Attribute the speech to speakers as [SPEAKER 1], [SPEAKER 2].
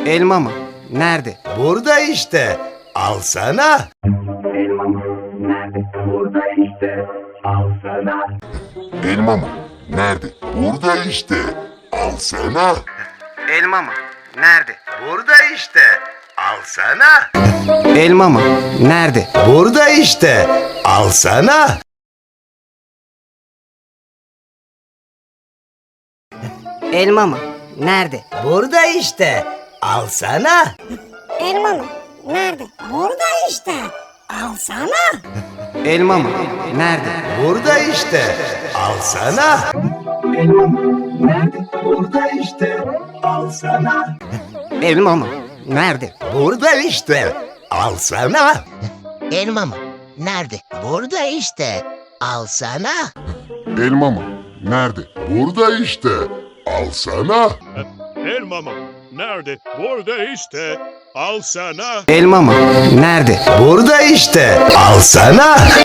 [SPEAKER 1] Elma mı? Nerede?
[SPEAKER 2] Burada işte. Alsana.
[SPEAKER 3] Elma mı? Nerede? Burada işte. Alsana.
[SPEAKER 4] Elma mı? Nerede? Burada işte. Alsana.
[SPEAKER 1] Elma mı? Nerede?
[SPEAKER 2] Burada işte. Alsana.
[SPEAKER 1] Elma mı? Nerede?
[SPEAKER 2] Burada işte. Alsana.
[SPEAKER 1] Elma mı? Nerede?
[SPEAKER 2] Burada işte. Alsana.
[SPEAKER 5] Elma mı? Nerede? Burada işte. Alsana.
[SPEAKER 1] Elma mı? Nerede?
[SPEAKER 2] Burada işte. Alsana.
[SPEAKER 3] Elma mı? Nerede? Burada işte. Alsana.
[SPEAKER 1] Elma mı? Nerede?
[SPEAKER 2] Burada işte. Alsana.
[SPEAKER 6] Elma mı? Nerede? Burada işte. Alsana.
[SPEAKER 4] Elma mı? Nerede? Burada işte. Alsana.
[SPEAKER 7] Elma mı? Nerede? Burada işte. Al sana.
[SPEAKER 1] Elma mı? Nerede?
[SPEAKER 2] Burada işte. Alsana.